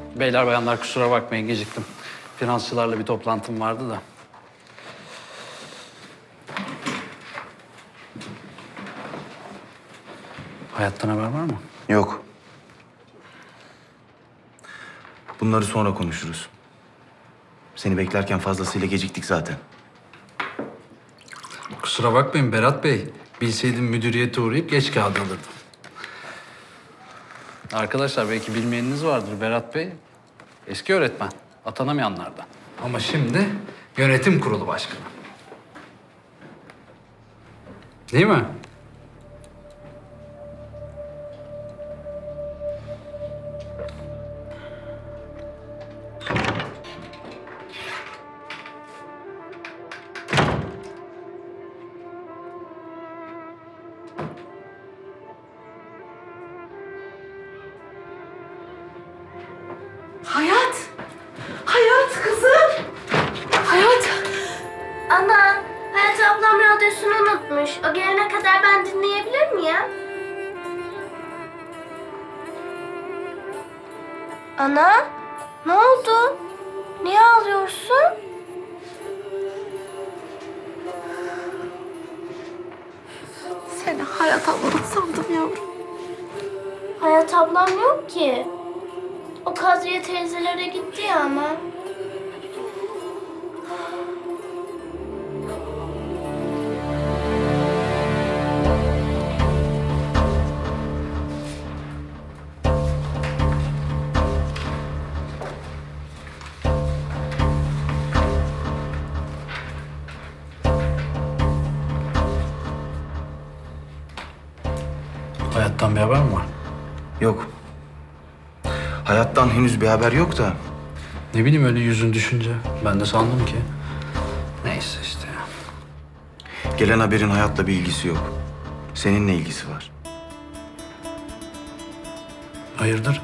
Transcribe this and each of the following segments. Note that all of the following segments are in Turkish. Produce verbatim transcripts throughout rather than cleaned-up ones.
Beyler bayanlar kusura bakmayın geciktim. Finansçılarla bir toplantım vardı da. Hayattan haber var mı? Yok. Bunları sonra konuşuruz. Seni beklerken fazlasıyla geciktik zaten. Kusura bakmayın Berat Bey. Bilseydim müdüriyete uğrayıp geç kağıdı alırdım. Arkadaşlar belki bilmeyeniniz vardır Berat Bey. Eski öğretmen. Atanamayanlardan. Ama şimdi yönetim kurulu başkanı. Değil mi? Hayat! Hayat kızım! Hayat! Ana, Hayat ablam radyosunu unutmuş. O gelene kadar ben dinleyebilir miyim? Ana, ne oldu? Niye ağlıyorsun? Seni Hayat ablan sandım yavrum. Hayat ablam yok ki. O Kadriye teyzelere gitti ya ama. Hayattan bir haber mi var? Yok. Hayattan henüz bir haber yok da. Ne bileyim öyle yüzün düşünce. Ben de sandım ki. Neyse işte ya. Gelen haberin hayatla bir ilgisi yok. Seninle ilgisi var. Hayırdır?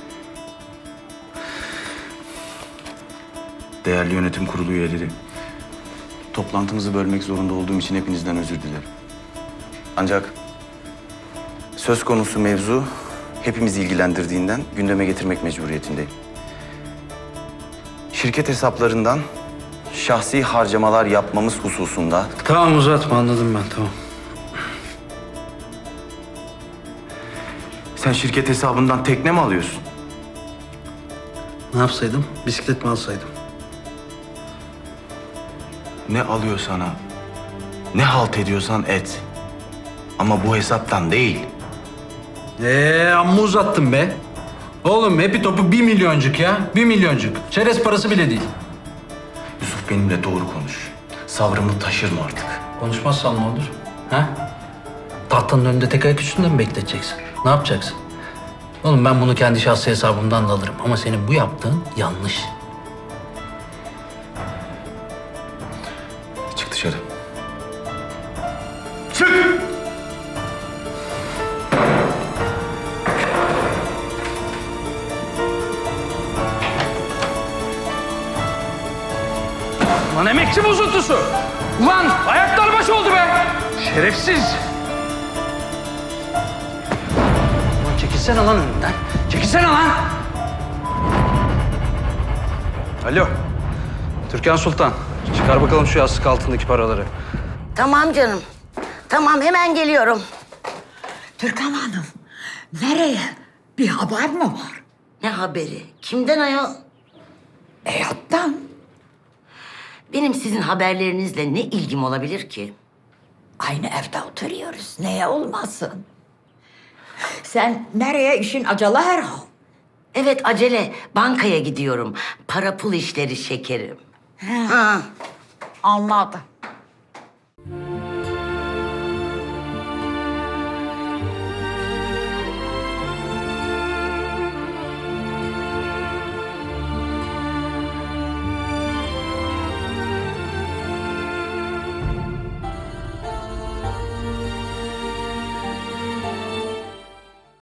Değerli yönetim kurulu üyeleri. Toplantımızı bölmek zorunda olduğum için hepinizden özür dilerim. Ancak söz konusu mevzu hepimizi ilgilendirdiğinden gündeme getirmek mecburiyetindeyim. Şirket hesaplarından şahsi harcamalar yapmamız hususunda Tamam uzatma anladım ben tamam. sen şirket hesabından tekne mi alıyorsun? Ne yapsaydım? Bisiklet mi alsaydım? Ne alıyor sana, ne halt ediyorsan et. Ama bu hesaptan değil. Ee amma uzattın be. Oğlum hepi topu bir milyoncuk ya. Bir milyoncuk. Çerez parası bile değil. Yusuf benimle doğru konuş. Sabrımı taşırma artık. Konuşmazsan ne olur? Ha? Tahtanın önünde tek ayak üstünde mi bekleteceksin? Ne yapacaksın? Oğlum ben bunu kendi şahsi hesabımdan da alırım. Ama senin bu yaptığın yanlış. Çık dışarı. Çık! Lan emekçi bozuntusu! Ulan ayaklar baş oldu be! Şerefsiz! Ulan çekilsene lan önümden. Çekilsene lan! Alo. Türkan Sultan. Çıkar bakalım şu yastık altındaki paraları. Tamam canım. Tamam hemen geliyorum. Türkan Hanım, nereye? Bir haber mi var? Ne haberi? Kimden ayol? Hayattan. Benim sizin haberlerinizle ne ilgim olabilir ki? Aynı evde oturuyoruz. Neye olmasın? Sen nereye? İşin acele herhal. Evet acele. Bankaya gidiyorum. Para pul işleri şekerim. Ha. Anladım.